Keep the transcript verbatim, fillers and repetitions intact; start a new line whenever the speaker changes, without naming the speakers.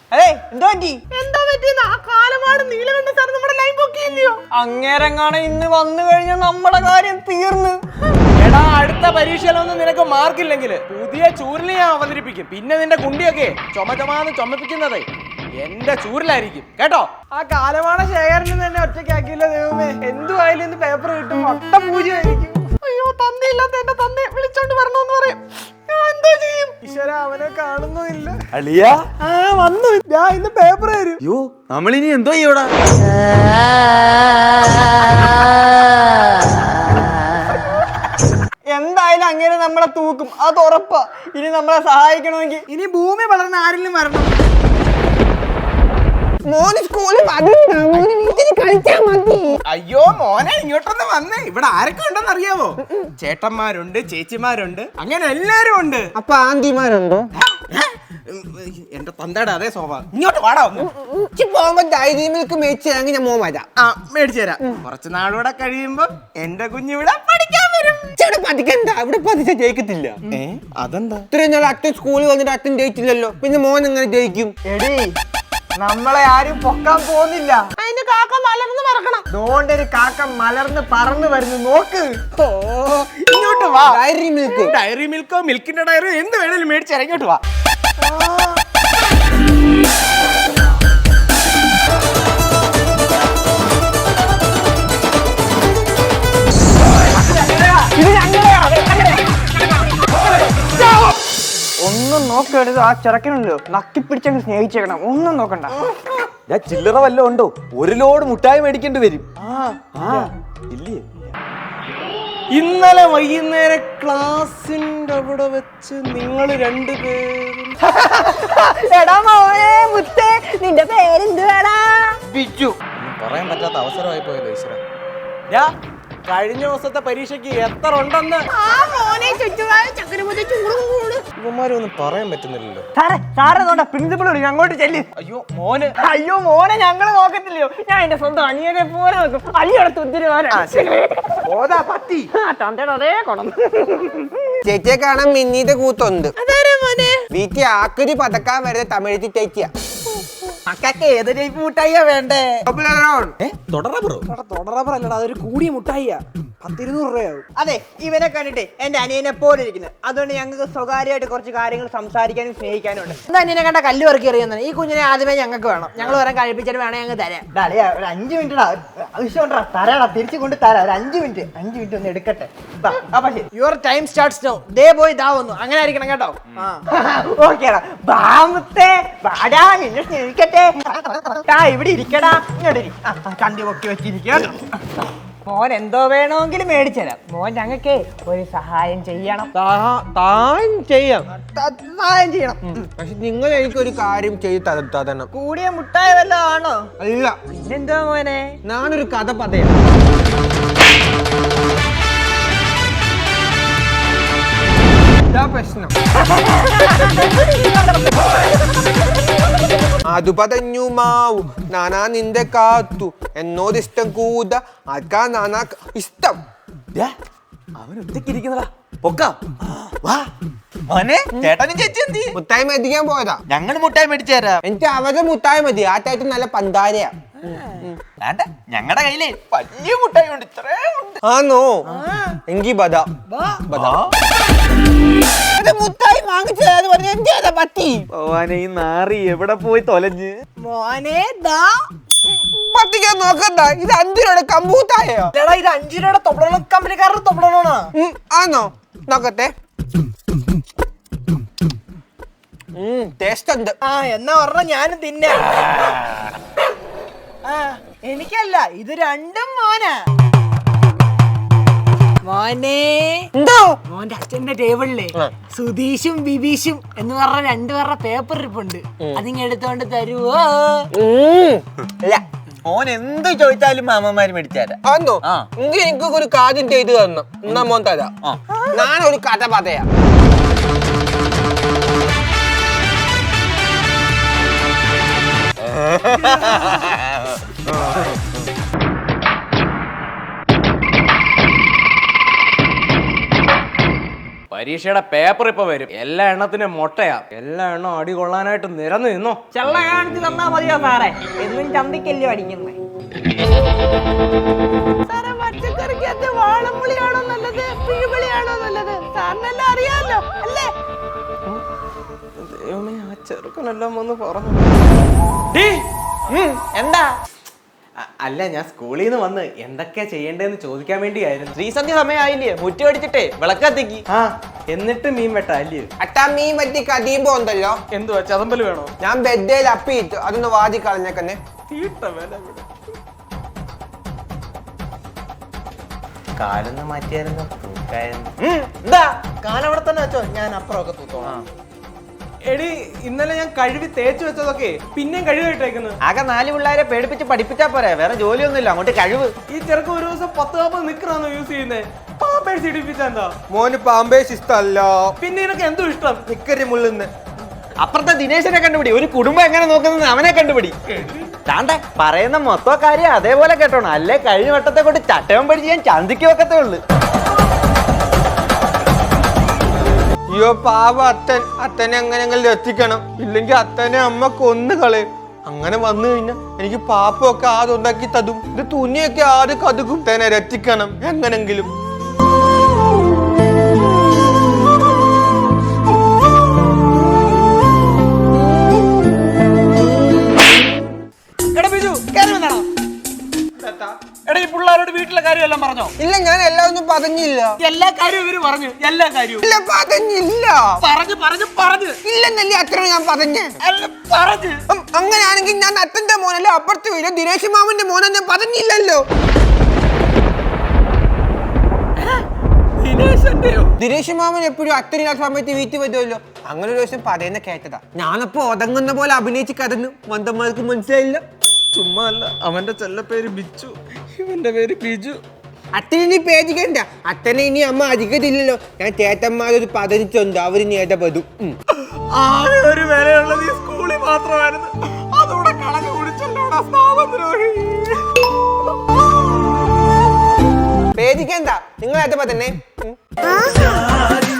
അങ്ങേരെങ്ങാണ് ഇന്ന് വന്നു കഴിഞ്ഞാൽ നമ്മുടെ കാര്യം തീർന്ന്.
എടാ, അടുത്ത പരീക്ഷയിലൊന്നും നിനക്ക് മാർക്കില്ലെങ്കിൽ പുതിയ ചൂരിനെ ഞാൻ അവതരിപ്പിക്കും. പിന്നെ നിന്റെ കുണ്ടിയൊക്കെ ചുമ ചുമാന്ന് ചുമപ്പിക്കുന്നത് എന്റെ ചൂരിലായിരിക്കും കേട്ടോ.
ആ കാലമാണ ശേഖരന് തന്നെ ഒറ്റയ്ക്കാക്കിയില്ല ദൈവമേ. എന്തുവായാലും ഇന്ന് പേപ്പർ കിട്ടും, ഒട്ട പൂജയായിരിക്കും. അയ്യോ, തന്തയില്ലാത്ത എന്റെ തന്നെ വിളിച്ചോണ്ട് വരണോന്ന് പറയും. ഞാൻ എന്തോ ചെയ്യും? ഈശ്വര, അവനെ കാണുന്നുമില്ല.
അളിയാ,
ആ വന്നു. ഞാൻ ഇന്ന് പേപ്പർ തരും.
അയ്യോ, നമ്മളിനി എന്തോ ചെയ്യൂടാ?
എന്തായാലും അങ്ങനെ നമ്മളെ തൂക്കും, അത് ഉറപ്പാ. ഇനി നമ്മളെ സഹായിക്കണമെങ്കിൽ ഇനി ഭൂമി വളർന്ന ആരെങ്കിലും വരണം. മോന് സ്കൂളിൽ കളിച്ചാൽ മതി.
അയ്യോ മോനെ, ഇങ്ങോട്ടൊന്ന് വന്നേ. ഇവിടെ ആരൊക്കെ ഉണ്ടെന്ന് അറിയാവോ? ചേട്ടന്മാരുണ്ട്, ചേച്ചിമാരുണ്ട്, അങ്ങനെ എല്ലാരും ഉണ്ട്.
അപ്പൊ ആന്റിമാരുണ്ടോ?
എന്റെ തന്തയുടെ അതേ സ്വഭാവം. ഇങ്ങോട്ട് വാടാ.
പോകുമ്പോ ഡയറി മിൽക്ക് മേടിച്ചു തരാമെങ്കിൽ ഞാൻ മോൻ വരാം.
ആ, മേടിച്ചു തരാം. കുറച്ച് നാളൂടെ കഴിയുമ്പോ എന്റെ കുഞ്ഞിവിടെ പഠിക്കാൻ വരും.
പഠിക്കണ്ട, ഇവിടെ പഠിച്ചാൽ ജയിക്കത്തില്ല.
ഏ, അതെന്താ?
ഇത്രയും നാൾ അച്ഛൻ സ്കൂളിൽ വന്നിട്ട് അച്ഛൻ ജയിച്ചില്ലല്ലോ, പിന്നെ മോൻ എങ്ങനെ ജയിക്കും? എടി, നമ്മളെ ആരും പൊക്കാൻ പോകുന്നില്ല. അതിന് കാക്ക മലർന്ന് പറക്കണം. അതുകൊണ്ട് ഒരു കാക്ക മലർന്ന് പറന്ന് വരുന്നു, നോക്ക്.
ഓ, ഇങ്ങോട്ട് വാ.
ഡയറി മിൽക്ക്,
ഡയറി മിൽക്കോ മിൽക്കിന്റെ ഡയറി എന്ത് വേണേലും മേടിച്ചു തരാം. ഇങ്ങോട്ട് വാ.
ഒന്നും നോക്കരുത്. ആ ചെറുക്കനുണ്ടല്ലോ, നക്കിപ്പിടിച്ചങ്ങ് സ്നേഹിച്ചേക്കണം. ഒന്നും നോക്കണ്ട.
ഞാൻ ചില്ലറ വല്ലതും ഉണ്ടോ? ഒരു ലോഡ് മുട്ടായി മേടിക്കേണ്ടി വരും. ഇല്ലേ? ഇന്നലെ വൈകുന്നേരം ക്ലാസിന്റെ അവിടെ വെച്ച് നിങ്ങൾ രണ്ടുപേരും
എടാ മോനെ മുത്തേ, നിന്റെ പേരെന്തുവാടാ?
ബിജു. പറയാൻ പറ്റാത്ത അവസരമായി പോയത് ഈശ്വര. കഴിഞ്ഞ ദിവസത്തെ പരീക്ഷയ്ക്ക് എത്ര ഉണ്ടെന്ന് ഇവന്മാരൊന്നും പറയാൻ പറ്റുന്നില്ലല്ലോ.
പ്രിൻസിപ്പൾ അങ്ങോട്ട് ചെല്ലി.
അയ്യോ മോന്.
അയ്യോ മോനെ, ഞങ്ങള് നോക്കത്തില്ലയോ? ഞാൻ എന്റെ സ്വന്തം അനിയനെ പോലെ നോക്കും. അയ്യോടത്ത് ഒത്തിരി അതേ കൊണ്ടു. ചേച്ചിയെ കാണാൻ മിന്നീന്റെ കൂത്തുണ്ട്. വീട്ടിൽ ആക്കൊരു പതക്കാൻ വരുന്ന തമിഴ് ചേച്ചിയാ. മക്കൾക്ക് ഏത് ടൈപ്പ് മുട്ടായിയാ വേണ്ടേ?
തൊടറബർ അല്ലടാ, അതൊരു കൂടിയ മുട്ടായിയാ. പത്തിരുന്നൂറ് രൂപയാവും.
അതെ, ഇവനെ കണ്ടിട്ട് എന്റെ അനിയനെ പോലെ ഇരിക്കുന്നത്. അതുകൊണ്ട് ഞങ്ങൾക്ക് സ്വകാര്യമായിട്ട് കുറച്ച് കാര്യങ്ങൾ സംസാരിക്കാനും സ്നേഹിക്കാനും ഉണ്ട്. എന്താ അനിയനെ കണ്ട കല്ല് വറക്കി എറിയുന്നത്? ഈ കുഞ്ഞിനെ ആദ്യമേ ഞങ്ങൾക്ക് വേണം. ഞങ്ങൾ വരാൻ കഴിപ്പിച്ചിട്ട് വേണേ ഞങ്ങൾ തരാം. ഒരു അഞ്ചു മിനിറ്റ് ആവശ്യമുണ്ടാ, തരാടാ, തിരിച്ചു കൊണ്ട് തരാം. ഒരു അഞ്ചു മിനിറ്റ് അഞ്ചു മിനിറ്റ് ഒന്ന് എടുക്കട്ടെ. Your time starts now. ദേ പോയി ദാ വന്നു. അങ്ങനെ ആയിരിക്കണം കേട്ടോ. ഓക്കേടാ, ബാമത്തെ വാടാ, നിന്നെ സ്നേഹിക്കട്ടെ. ഇവിടെ ഇരിക്കടാ, ഇങ്ങോട്ട് ഇരി. കണ്ടി പൊക്കി വെച്ചിരിക്കുക. മോൻ എന്തോ വേണമെങ്കിലും മേടിച്ചുതരാം. മോൻ ഞങ്ങൾക്ക് ഒരു സഹായം ചെയ്യണം.
സഹായം ചെയ്യാം
സഹായം ചെയ്യണം.
പക്ഷെ നിങ്ങൾ എനിക്കൊരു കാര്യം ചെയ്ത് തരണം.
കൂടിയ മുട്ടായ വല്ലതും ആണോ?
അല്ല.
പിന്നെന്തോ മോനെ?
ഞാനൊരു കഥ പറയാം. പ്രശ്നം അത് പറഞ്ഞു മാവു നാനാ നിന്റെ കാത്തു എന്നോട് ഇഷ്ടം കൂത ആർക്കാ നാനാ ഇഷ്ടം.
അവനൊറ്റക്കിരിക്കുന്നതാ. പൊക്കാം വാ മോനെ. ചേട്ടനും ചേച്ചി എന്തി?
മുട്ടായി മേടിക്കാൻ പോയതാ.
ഞങ്ങൾ മുട്ടായി മേടിച്ചു തരാം.
എനിക്ക് അവരുടെ മുട്ടായി മതി. ആ ചേട്ടൻ നല്ല പന്താരയാ.
ഞങ്ങളുടെ കയ്യില് വലിയ മുട്ടായി ഉണ്ട്. ഇത്രേ ഉണ്ട്.
ആണോ? എങ്കി ബദാ ബദാ
മുട്ടായി വാങ്ങിച്ചത് പറഞ്ഞ എന്താ പറ്റി?
മോനെ, ഈ നാറി എവിടെ പോയി തൊലഞ്ഞ്?
മോനെ ദാ
പറ്റിക്കാൻ നോക്കണ്ട. ഇത് അഞ്ചു രൂപയുടെ കമ്പൂത്തായോ?
ഇത് അഞ്ചു രൂപയുടെ തൊപ്പള കമ്പനിക്കാരുടെ തൊപ്പളാണോ?
ആണോ? നോക്കട്ടെ. ടേസ്റ്റ് ഉണ്ട്.
ആ, എന്നാ പറഞ്ഞ ഞാനും തിന്നാ. ആ, എനിക്കല്ല, ഇത് രണ്ടും മോനാ. മോനെ
എന്തോ?
മോന്റെ അച്ഛന്റെ ടേബിളിലെ സുധീഷും ബിബീഷും എന്ന് പറഞ്ഞ രണ്ടു പേരുടെ പേപ്പർ ഇരിപ്പുണ്ട്. അതിങ്ങ എടുത്തോണ്ട് തരുവോ?
അല്ല,
മോൻ എന്ത് ചോദിച്ചാലും മാമന്മാര് മേടിച്ചാരാ.
ആന്നോ? എങ്കിൽ എനിക്ക് ഒരു കാര്യം ചെയ്ത് തരണം. എന്നാ മോൻ തരാം. ഞാനൊരു കഥ പറയാം.
പരീക്ഷ പരീക്ഷയുടെ പേപ്പർ ഇപ്പൊ വരും. എല്ലാ എണ്ണത്തിനും മൊട്ടയാ. എല്ലാ എണ്ണം അടി കൊള്ളാനായിട്ട് നിരന്ന് നിന്നോ.
ചെള്ള കാണിച്ച് തന്നാ മതിയോ സാറേ? എന്നും ചന്തിക്കല്ലോ അടിക്കുന്നേ. സാറേ, പച്ചക്കറിക്കകത്ത് വാളംപുളിയാണോ നല്ലത്, പിഴുപുളിയാണോ നല്ലത്? സാറിനെല്ലാം അറിയാമല്ലോ അല്ലേ?
ദൈവമേ, ആ ചെറുക്കനെല്ലാം വന്ന് പറഞ്ഞു.
എന്താ?
അല്ല, ഞാൻ സ്കൂളിൽ നിന്ന് വന്ന് എന്തൊക്കെയാ ചെയ്യേണ്ടതെന്ന് ചോദിക്കാൻ വേണ്ടിയായിരുന്നു.
ശ്രീസന്ധ്യ സമയമായില്ലേ? മുറ്റി അടിച്ചിട്ടേ വിളക്കത്തേക്ക്.
ആ, എന്നിട്ട് മീൻ വെട്ടാ അല്ലേ?
അട്ടാ മീൻ പറ്റി കതിയുമ്പോ ഉണ്ടല്ലോ,
എന്തുവാ ചതമ്പല് വേണോ?
ഞാൻ ബെഡേൽ അപ്പിയിട്ടു, അതൊന്ന് വാതി കളഞ്ഞേക്കന്നെ.
തീട്ട വില കാലൊന്ന് മാറ്റിയായിരുന്നു തൂക്കായിരുന്നു.
എന്താ കാലവിടെ തന്നെ വെച്ചോ, ഞാൻ അപ്പുറമൊക്കെ തൂത്തോളാം.
എടി, ഇന്നലെ ഞാൻ കഴുകി തേച്ച് വെച്ചതൊക്കെ പിന്നെയും കഴുകിട്ടേക്കുന്നു.
ആകെ നാല് പിള്ളേരെ പേടിപ്പിച്ച് പഠിപ്പിച്ചാ പോരെ, വേറെ ജോലിയൊന്നുമില്ല. അങ്ങോട്ട് കഴിവ്.
ഈ ചെറുക്ക ഒരു ദിവസം പത്ത് നാൽപ്പത് നിക്കറാന്ന് യൂസ് ചെയ്യുന്നേ. പാമ്പേഴ്സ് ഇടിപ്പിച്ചാ എന്താ?
മോന് പാമ്പേഴ്സ് ഇഷ്ടല്ല,
പിന്നെ നിനക്ക് എന്തോ ഇഷ്ടം?
നിക്കരി മുള്ളുന്ന്.
അപ്പുറത്തെ ദിനേശനെ കണ്ടുപിടി. ഒരു കുടുംബം എങ്ങനെ നോക്കുന്നത് അവനെ കണ്ടുപിടി. താണ്ടെ പറയുന്ന മൊത്തം കാര്യം അതേപോലെ കേട്ടോണം, അല്ലേ കഴിഞ്ഞ വട്ടത്തെ കൊണ്ട് ചട്ടയം പഠിച്ച് ഞാൻ ചന്തിക്ക് വെക്കത്തേ ഉള്ളു.
അയ്യോ പാവ അത്തൻ, അത്തനെ എങ്ങനെങ്കിലും എത്തിക്കണം, ഇല്ലെങ്കിൽ അത്തനെ അമ്മ കൊന്നു കളയും. അങ്ങനെ വന്നു കഴിഞ്ഞാൽ എനിക്ക് പാപ്പൊക്കെ ആദ്യം ഉണ്ടാക്കി തതും, ഇത് തുണിയൊക്കെ ആദ്യം കതുകും. തന്നെ രക്ഷിക്കണം എങ്ങനെങ്കിലും.
എടാ ബിജു, കേറി വന്നടാ. എടാ, ഈ പിള്ളേരോട് വീട്ടിലെ കാര്യമെല്ലാം പറഞ്ഞോ?
ഇല്ല, ഞാൻ എല്ലാം ഒന്നും പറഞ്ഞില്ല.
എല്ലാ കാര്യവും ഇവര് പറഞ്ഞു. എല്ലാ കാര്യവും
ഇല്ല, പറഞ്ഞില്ല.
പറഞ്ഞു പറഞ്ഞു പറഞ്ഞു
ഇല്ലെന്നല്ലേ അത്ര ഞാൻ പറഞ്ഞേ.
അല്ല, പറഞ്ഞു.
ഉം, അങ്ങനെയാണെങ്കിൽ ഞാൻ അത്തന്റെ മോനല്ലേ, അപ്പുറത്ത് വീട് ദിനേശ് മാമന്റെ മോനെന്ന് പറഞ്ഞില്ലല്ലോ. ദിനേശ് മാമൻ എപ്പോഴും അത്തനില്ലാത്ത സമയത്ത് വീട്ടിൽ വരുമല്ലോ. അങ്ങനെ ഒരു ദിവസം പറയുന്ന കേട്ടതാ. ഞാനപ്പോ ഒതങ്ങുന്ന പോലെ അഭിനയിച്ച് കടന്നു. മന്ദന്മാർക്ക് മനസ്സിലായില്ല.
ചുമ്മാ അല്ല, അവന്റെ ചെല്ല പേര് ബിച്ചു, ഇവന്റെ പേര് ബിജു.
അത്തനി പേടിക്കണ്ട, അത്തനെ ഇനി അമ്മ അധികത്തില്ലല്ലോ. ഞാൻ ചേട്ടന്മാരൊരു പതിനിച്ചുണ്ട്, അവരിനി ഇടപെടും.
ആകെ ഒരു വിലയുള്ളത് ഈ സ്കൂളിൽ മാത്രമായിരുന്നു. അതോടെ കളഞ്ഞു കുടിച്ചല്ലോടാ സ്ഥാപദ്രോഹി.
പേടിക്കണ്ട, നിങ്ങൾ ഇടപെടന്നെ.